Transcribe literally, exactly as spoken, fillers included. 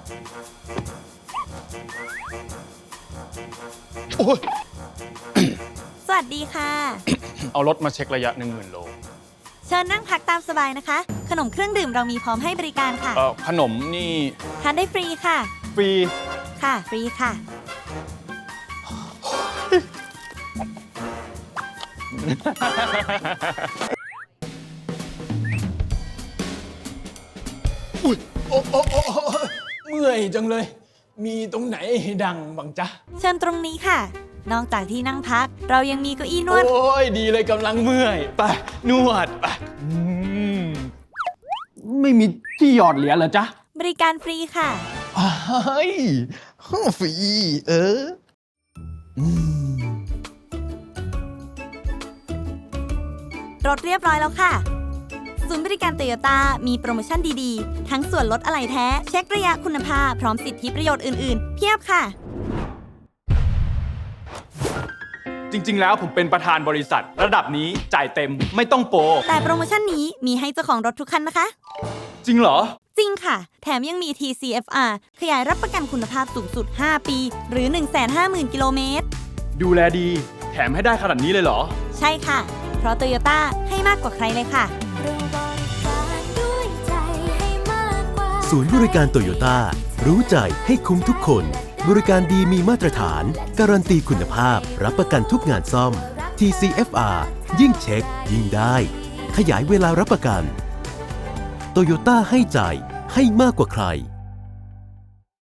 โอ้ยสวัสดีค่ะเอารถมาเช็คระยะหนึ่งหมื่นโลเชิญนั่งพักตามสบายนะคะ ขนมเครื่องดื่มเรามีพร้อมให้บริการค่ะเอ่อขนมนี่ทานได้ฟรีค่ะฟรีค่ะ ฟรีค่ะอุ้ยโอ้โอ้โอ้โอ้เมื่อยจังเลย มีตรงไหนให้ดังบ้างจ๊ะเชิญตรงนี้ค่ะ นอกจากที่นั่งพัก เรายังมีเก้าอี้นวดโอ้ยดีเลยกำลังเมื่อย ไป นวดไปอืมไม่มีที่หยอดเหรียญเหรอจ๊ะบริการฟรีค่ะเฮ้ยฟรี เอออืมรถเรียบร้อยแล้วค่ะ ศูนย์บริการโตโยต้ามีโปรโมชั่นดีๆ ทั้งส่วนลดอะไหล่แท้ เช็คระยะคุณภาพ พร้อมสิทธิประโยชน์อื่นๆ เพียบค่ะจริง ๆ แล้วผมเป็นประธานบริษัท ระดับนี้จ่ายเต็มไม่ต้องโปรแต่โปรโมชั่นนี้มีให้เจ้าของรถทุกคันนะคะจริงเหรอจริงค่ะ แถมยังมี ที ซี เอฟ อาร์ ขยายรับประกันคุณภาพสูงสุด ห้า ปี หรือ หนึ่งแสนห้าหมื่น กิโลเมตรดูแลดี แถมให้ได้ขนาดนี้เลยเหรอใช่ค่ะ เพราะโตโยต้าให้มากกว่าใครเลยค่ะศูนย์บริการโตโยต้ารู้ใจให้คุ้มทุกคน บริการดีมีมาตรฐาน การันตีคุณภาพ รับประกันทุกงานซ่อม ที ซี เอฟ อาร์ ยิ่งเช็ค ยิ่งได้ ขยายเวลารับประกันโตโยต้าให้ใจให้มากกว่าใคร